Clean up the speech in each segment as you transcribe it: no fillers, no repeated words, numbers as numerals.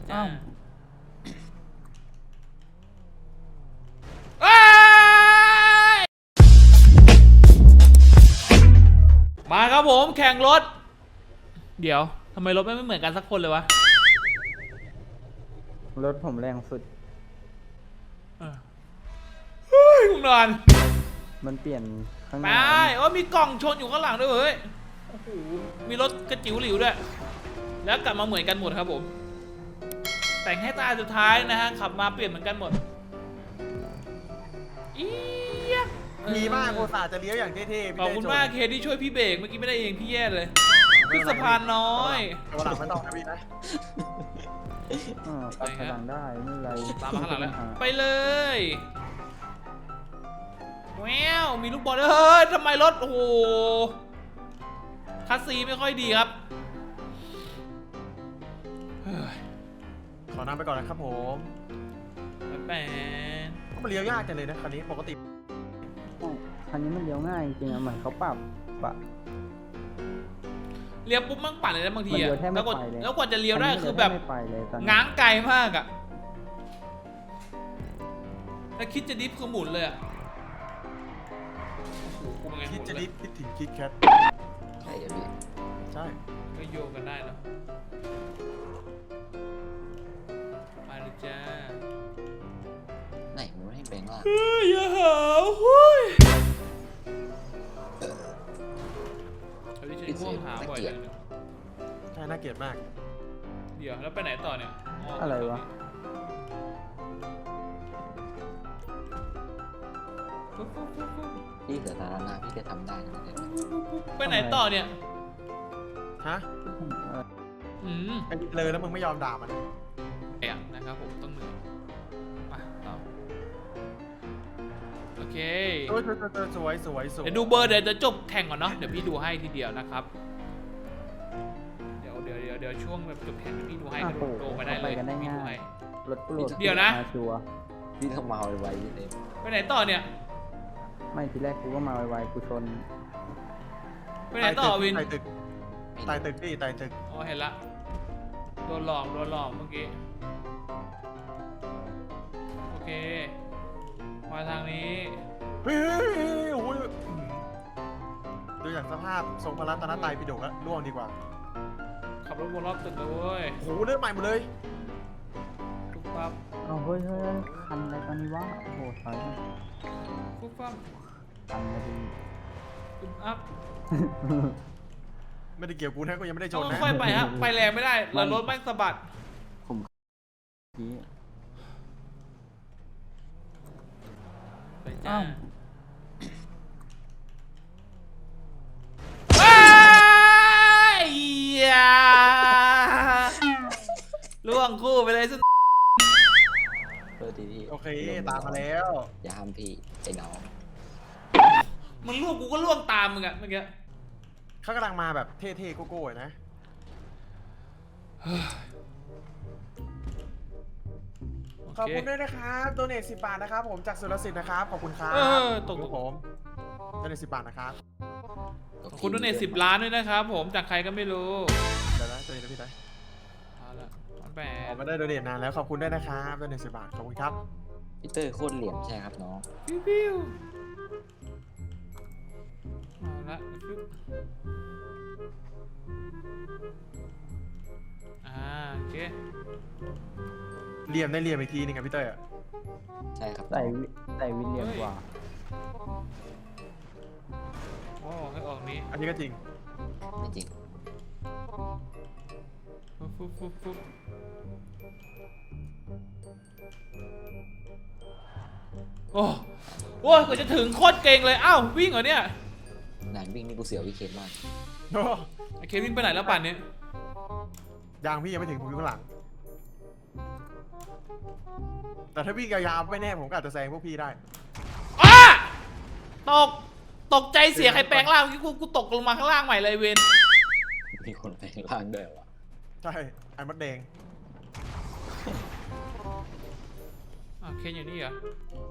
จ้ามาครับผมแข่งรถเดี๋ยวทำไมรถไม่เหมือนกันสักคนเลยวะรถผมแรงสุดเฮ้ยคุณนอนมันเปลี่ยนข้างหไปน้าโอ้มีกล่องชนอยู่ข้างหลังด้วยเฮ้ยโอ้โหมีรถกระจิ๋วหลิวด้วยแล้วกลับมาเหมือนกันหมดครับผมแต่งให้ตาสุดท้ายนะฮะขับมาเปลี่ยนเหมือนกันหมดอี๊ยะดีมากโคตรจะเลี้ยวอย่างเท่ๆขอบคุณมากเคที่ช่วยพี่เบรกเมื่อกี้ไม่ได้เองพี่แย่เลยขึ้นสะพานน้อยตัวหลังไม่ต้องนะพี่นะปรับพลังได้ไม่เป็นไรตามมาข้างหลังแล้วไปเลยแววมีลูกบอลด้วยเฮ้ยทำไมรถโอ้โหคัสซีไม่ค่อยดีครับเฮ้ยขอนำไปก่อนนะครับผมแปนมันเลี้ยวยากจังเลยนะคันนี้ปกติคันนี้มันเลี้ยวง่ายจริงๆอะเหมือนเขาปรับปะเลี้ยวปุ๊บมั่งปั่นเลยนะบางทีมันเลี้อะยวแทบไม่แล้วกว่าไปเลยแล้วกว่าจะเลี้ยวได้คือแบบไม่ไปเลยตอนนี้ง้างไกลมากอะแล้วคิดจะดิฟคือหมุนเลยอะโอ้โหเป็นไงคิดจะหมุนเลยคิดถึงคิดแคทใช่ครับพี่ใช่ก็โยกกันได้เนอะไปเลยจ้าไหนมันไม่ให้แปลงล่างเฮ้ยอย่าหาวเฮ้ยเขาที่ใช้ง่วงหาบ่อยเลยเนี่ยใช่น่าเกลียดมากเดี๋ยวแล้วไปไหนต่อเนี่ยอะไรวะพี่เสือสาธารณะพี่จะทำได้นะเนี่ยไปไหนต่อเนี่ยฮะ ไอ้เลยแล้วมึงไม่ยอมด่ามันแอบนะครับผมต้องเหนื่อยไปต่อโอเคโอ้ยสวยสวยเดี๋ยวดูเบอร์เดี๋ยวจะจบแข่งก่อนเนาะเดี๋ยวพี่ดูให้ทีเดียวนะครับเดี๋ยวช่วงแบบจบแข่งเดี๋ยวพี่ดูให้กระโดดโดไปได้เลยพี่ดูให้รถกูโหลดเดี๋ยวนะมาชัวร์พี่ต้องเมาไวๆเลยไปไหนต่อเนี่ยไม่ทีแรกกูก็มาไวๆกูชนไปไหนต่อวินไต่ตึกไต่ตึกพี่ไต่ตึกอ๋อเห็นละโดนหลอกเมื่อกี้โอเคมาทางนี้เฮ้ยโอ้ยดูอย่างสภาพทรงพระรัตนตรัยปิฎกแล้วล่วงดีกว่าขับรถวนรอบตึกเลยเว้ยโอ้โหเริ่มใหม่หมดเลยปุ๊บปั๊บเอาเฮ้ยคันอะไรตอนนี้วะโอ้โหถอยมาปุ๊บปั๊บคันมาดีปุ๊บอัพไม่ได้เกี่ยวกูนะกูยังไม่ได้ชต้อน งนะค่อยไปฮะไปแรงไม่ได้แล้วรถแม่งสะบัดผมกี้ไปจ้าอ้าวว้ายอย่าล่วงคู่ไปเลยสุดเออดีพี่โอเคตามมาแล้วอย่าห้ามพี่ไอ้น้องมึงล่วงกูก็ล่วงตามมึงอะเมื่อกี้เขากำลังมาแบบเท่ๆโก้ๆนะขอบคุณด้วยนะครับโดเนท10 บาทนะครับผมจากสุรสิทธิ์นะครับขอบคุณครับตกครับผมโดเนท10 บาทนะครับขอบคุณด้วยเนี่ย10 ล้านด้วยนะครับผมจากใครก็ไม่รู้เดี๋ยวนะตัวนี้นะพี่ได้เอาละมันแปออดกมาได้โดเนทนานแล้วขอบคุณด้วยนะครับโดเนท10 บาทขอบคุณครับพี่เตอร์โคตรเหลี่ยมใช่ครับน้องปิ้วเอาละปึ๊บโอเคเหลี่ยมได้เหลี่ยมอีกทีนึงกับพี่เต้ยอะใช่ครับใส่วิลเลียมกว่าโอ้ให้ออกนี้อันนี้ก็จริงไม่จริงปุ๊บโอ้โหกว่าจะถึงโคตรเก่งเลยอ้าววิ่งเหรอเนี่ยนานวิ่งนี่กูเสียววิเคนมากโอ้ไอเควิ่งไปไหนแล้วป่านนี้ยางพี่ยังไม่ถึงผมอยู่ข้างหลัง แต่ถ้าวิ่งยาวๆไม่แน่ผมก็อาจจะแซงพวกพี่ได้อ้าตกใจเสียใครแปลงร่างเมื่อกี้กูตกลงมาข้างล่างใหม่เลยเวนมีคนแปลงร่างด้วยวะใช่ไอ้มดแดงเคนอยู่นี่เหรอ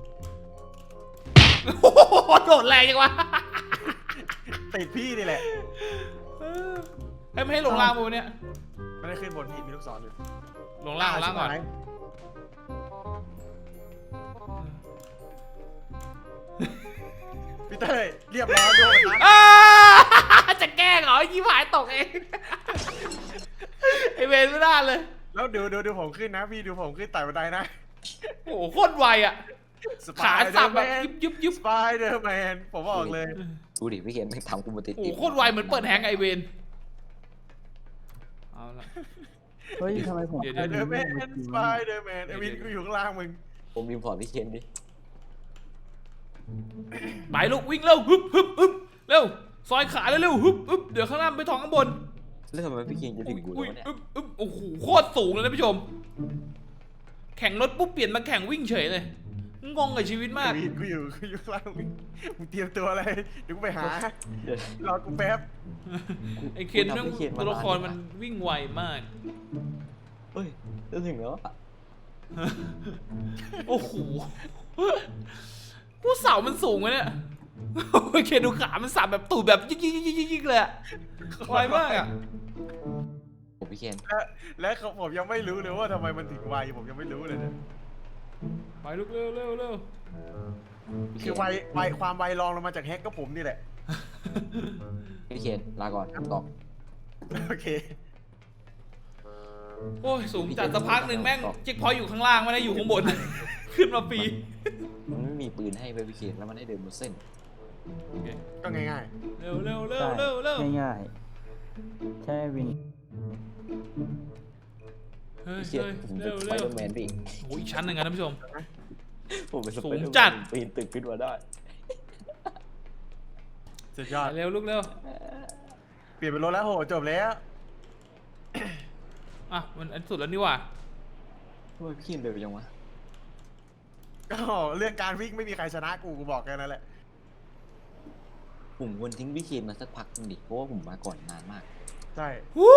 โอ้โหโดดแรงจังวะติดพี่นี่แหละให้ไม่ให้ลงล่างมูเนี่ยไม่ได้ขึ้นบนพี่มีลูกศรอยู่ลงล่างก่อนพี่เต้ยเรียบร้อยด้วยนะอ้าจะแกล้งเหรอยี่หายตกเอง ไอเวนไม่ได้เลยแล้วดูผมขึ้นนะพี่ดูผมขึ้นไต่บันไดนะโอ้โหโคตรไวอ่ะ ขาสับแบบยุบสไปเดอร์แมนผมบอกเลยดูดิพี่เคนไม่ทำกูมาติดโอ้โหโคตรไวเหมือนเปิดแฮงก์ไอเวนเอาละเฮ้ยทำไมผมเดี๋ยวสไปเดอร์แมนสไปเดอร์แมนไอวินกูอยู่ข้างล่างมึงผมรีพอร์ตพี่เคนดิไปลูกวิ่งเร็วฮึบเร็วซอยขาเร็วฮึบเดี๋ยวข้างล่างไปท้องข้างบนแล้วทำไมพี่เคนจะถึงกูอุ้ยแล้วเนี่ยโอ้โหโคตรสูงเลยนะผู้ชม แข่งรถปุ๊บเปลี่ยนมาแข่งวิ่งเฉยเลยงงกับชีวิตมากไอวินกูอยู่ข้างล่างมึงเตรียมตัวอะไรเดี๋ยวกูไปหาเดี๋ยวรอกูแป๊บไอเคนนั่งตัวละครมันวิ่งไวมากเฮ้ยจะถึงแล้วอะโอ้โหผู้เสามันสูงวะเนี่ยโอเคดูขามันสับแบบตูดแบบยิกเลยอะไวมากอะผมพี่เคนและผมยังไม่รู้เลยว่าทำไมมันถึงไวผมยังไม่รู้เลยเนี่ยไปลูกเร็วพี่เคือไวความไวรองลงมาจากแฮกก็ผมนี่แหละพี่เคนลาก่อนตอกโอเคโอ้ยสูงจัดสักพักหนึ่งแม่งเจ๊กพอยต์อยู่ข้างล่างไม่ได้อยู่ข้างบน ขึ้นมาปีมันไม่มีปืนให้ไปพี่เคนแล้วมันให้เดินบนเส้นก็ง่ายเร็วใช่ง่ายๆแค่วินเฮ้ยพี่เคนผมเป็นสไปเดอร์แมนพี่โอ้ยอีกชั้นหนึ่งนะท่านผู้ชมผมเป็นสสูไปงเดอร์แมนจัดปีนตึกขึ้นมาได้ๆสุดยอดเร็วลูกเร็วเปลี่ยนเป็นรถแล้วโหจบแล้วอ่ะมันอันสุดแล้วนี่หว่าทำไมพี่เคนเดินไปยังวะก็เรื่องการวิ่งไม่มีใครชนะกูบอกแค่นั้นแหละผมควรทิ้งพี่เคนมาสักพักหนึงดิเพราะว่าผมมาก่อนนานมากใช่วู้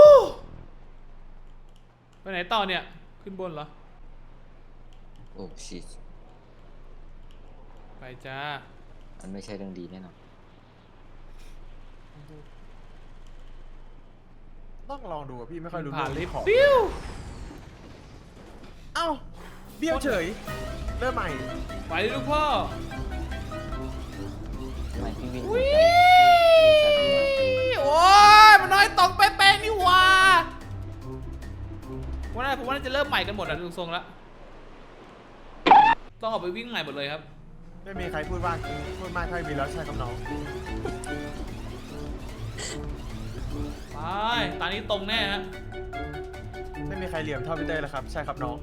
ไปไหนต่อเนี่ยขึ้นบนเหรอโอ้ชิตไปจ้ามันไม่ใช่เรื่องดีแน่นอนต้องลองดูอะพี่ไม่ค่อยรู้ผ่านเรื่ลิองฟของต์ปิ้วเอ้าเบี้ยวเฉยเริ่มใหม่ไปเลยลูกพ่อทำไมพี่วิ่งวิโอ้ยมันน้อยตกเป๊ะๆนี่หว่าวันนั้นผมว่าน่าจะเริ่มใหม่กันหมดอ่ะดูทรงแล้วต้องออกไปวิ่งใหม่หมดเลยครับไม่มีใครพูดมากเท่ามีแล้วใช่ครับน้องไปตอนนี้ตรงแน่ฮะไม่มีใครเหลี่ยมเท่าพี่เต้ยแล้วครับใช่ครับน้อง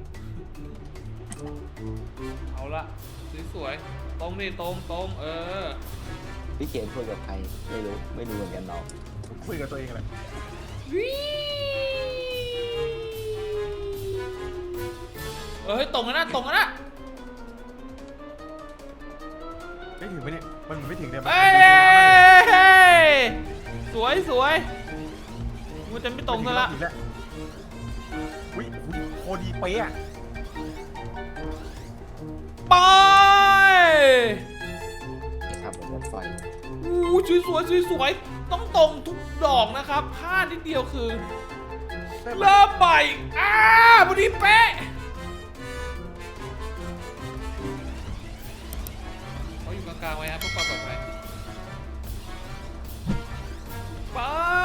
เอาละสวยๆตรงนี่ตรงเออพี่เคนคุยกับใครไม่รู้เหมือนกันน้องคุยกับตัวเองแหละวิเฮ้ยตรงกันนะไม่ถึงไหมเนี่ยมันไม่ถึงเลยเอ้ยสวยมันจะไม่ตรงซะละอุ้ยโคดีเป๊ะไปขับรถไฟอู้สวยต้องตรงทุกดอกนะครับพลาดนิดเดียวคือเริ่มใหม่พอดีเป๊ะเขาอยู่กลางๆไว้ครับเพื่อความปลอดภัยไป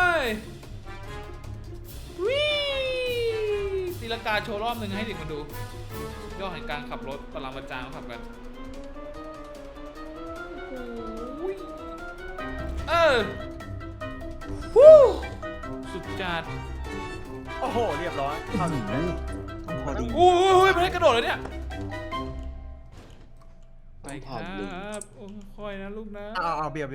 วิตีลังกาโชว์รอบหนึ่งให้เด็กมาดูยอดแห่งการขับรถปรมาจารย์เขาขับกันฮู้สุดจัดโอ้โหเรียบร้อยเข้าถึงแล้วพอดีอุ้ยไม่ได้กระโดดเลยเนี่ยไปครับโอ้ค่อยนะลูกนะเอาเบียว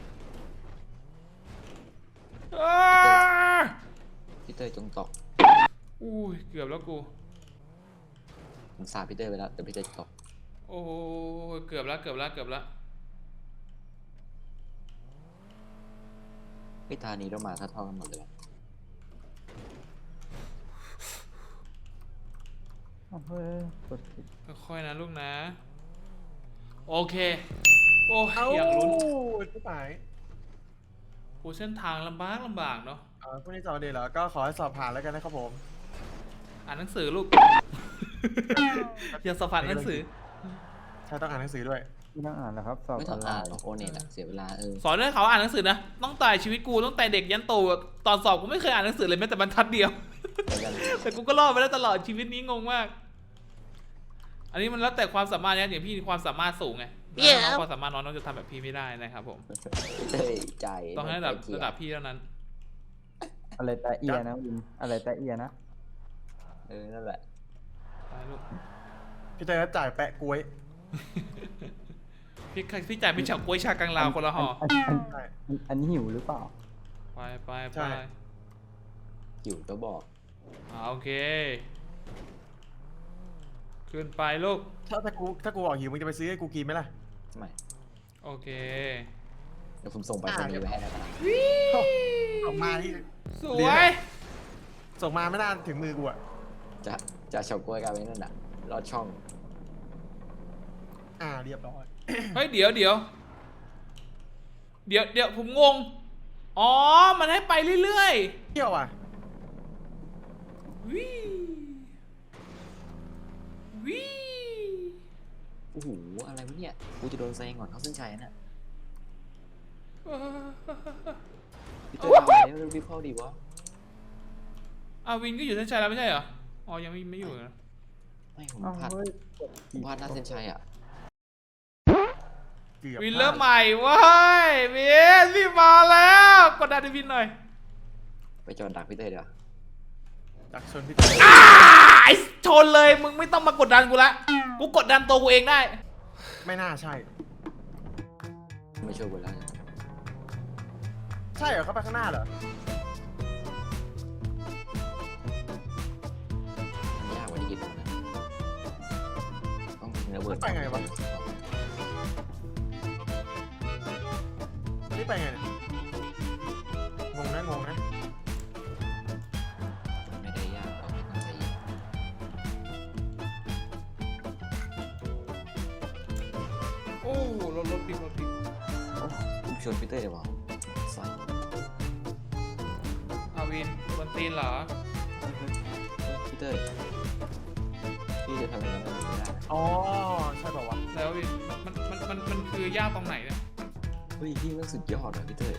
พี่เต้ยจงตอกอุ้ยเกือบแล้วกูผมสาบพี่เต้ยไปแล้วแต่พี่เต้ยตอกโอ้ยเกือบแล้วพี่ตานี้เรามาเท่ากันหมดเลยวะเฮ้ยกดผิดค่อยๆนะลูกนะโอเคโอ้ยเอาอยากลุ้นที่ไหนโอ้เส้นทางลำบากเนาะพรุ่งนี้สอบเดย์เหรอก็ขอให้สอบผ่านแล้วกันนะครับผมอ่านหนังสือลูก อย่าสอบผ่านหนังสือใช่ต้องอ่านหนังสือด้วยไม่ต้องอ่านนะครับสอบไม่อต้อองนไลอ่านน์หรอกโอเน็ตอะเสียเวลาสอนให้เขาอ่านหนังสือนะต้องตายชีวิตกูตั้งแต่เด็กยันโตตอนสอบกูไม่เคยอ่านหนังสือเลยแม้แต่บรรทัดเดียวเหมือนกันแต่กูก็รอดไปได้ตลอดชีวิตนี้งงมาก อันนี้มันแล้วแต่ความสามารถนะอย่างพี่ความสามารถสูงไงน้องความสามารถน้องจะทำแบบพี่ไม่ได้นะครับผมพี่เต้ยใจต้องให้ระดับพี่เท่านั้นอะไรแต่เอียนะวินอะไรแต่เอียนะนั่นแหละไปลูกพี่เต้ยจ่ายแปะกล้วยพี่จ่ายเป็นเฉาก๊วยชากังลาวคนละห่ออันนี้หิวหรือเปล่าไปอยู่ก็บอกโอเค ขึ้นไปลูกถ้ากูบอกหิวมึงจะไปซื้อให้กูกินไหมล่ะไม่โอเคเดี๋ยวผมส่งไปสนีย์ไปให้แล้วกันนะส่งมาที่สวยส่งมาไม่นานถึงมือกูอะจะเฉาก๊วยกันไว้นั่นน่ะลอดช่องเรียบร้อยเฮ้ยเดี๋ยวผมงง อ๋อ มันให้ไปเรื่อยเที่ยวอ่ะๆวิวิโอ้โหอะไรวะเนี่ยกูจะโดนแซงก่อนเข้าเส้นชัยน่ะพี่เต้ยเอาแล้วรีบเข้าดีวะวินก็อยู่เส้นชัยแล้วไม่ใช่เหรอ อ๋อยังไม่อยู่นะไม่ผมอ้าวพลาดเฮ้ยผมพลาดหน้าเส้นชัยอ่ะเกือบวินเริ่มใหม่เว้ยวินรีบมาแล้วกดดันให้วินหน่อยไปจอดดักพี่เต้ยเดี๋ยวจากชนพี่เต้ยไอ้ชนเลยมึงไม่ต้องมากดดันกูละกูกดดันตัวกูเองได้ไม่น่าใช่ไม่ช่วยกูแล้วใช่เหรอเขาไปข้างหน้าเหรอมันยากกว่าที่คิดนะต้องมีระเบิดไปไงวะ นี่ไปไงเนี่ยงงนะไม่ได้ยากเราไม่ต้องใจเย็นโอ้รถปิดโอ้ผมชวนพี่เต้ยเดี๋ยวบอกใส่วินบนตีนเหรอพี่เต้ยพี่จะทำอย่างนั้นไม่ได้อ๋อ ใช่เปล่าวะแล้ววินมันคือยากตรงไหนเนี่ยเฮ้ยพี่มันสุดยอดเลยพี่เต้ย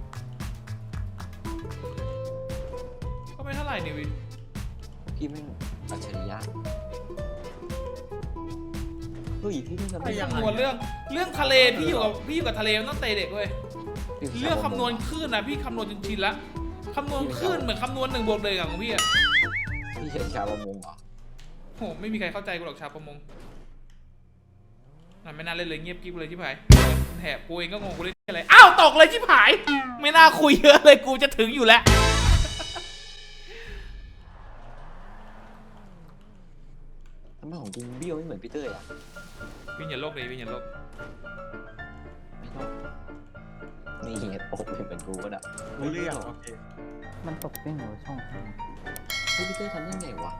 ก็ไม่เท่าไหร่นี่วินพี่ไม่งอัจฉริยะเฮ้ยพี่ไม่ทำได้คำนวณเรื่องทะเลพี่อยู่กับทะเลมันต้องเตะเด็กเว้ยเรื่องคำนวณคลื่นนะพี่คำนวณจนชินละคำนวณคลื่นเหมือนคำนวณ1 บวก 1ของพี่อะพี่เห็นชาวประมงเหรอโหไม่มีใครเข้าใจกูหรอกชาวประมงไม่น่าเล่นเลยเงียบกิ๊บเลยชิบหายแถบกูเองก็งงกูเล่นอะไรอ้าวตกเลยชิบหายไม่น่าคุยเยอะเลยกูจะถึงอยู่แล้วทำไมของจริงเบี้ยวไม่เหมือนพี่เต้ยอ่ะวิญญาณโลกเลยวิญญาณโลกไม่ต้องนี่เหตุอกเป็นเหมือนกูก็ได้รู้เรื่องโอเคมันตกได้ไงวะช่องทางเฮ้ยพี่เต้ยทำได้ไงวะ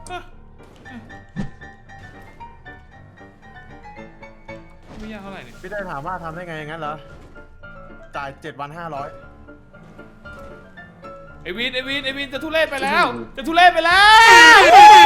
ไม่ยากเท่าไหร่นี่พี่เต้ยถามว่าทำได้ไงอย่างนั้นเหรอ จ่าย7 วัน 500 ไอวินจะทุเรศไปแล้วจะทุเรศไปแล้ว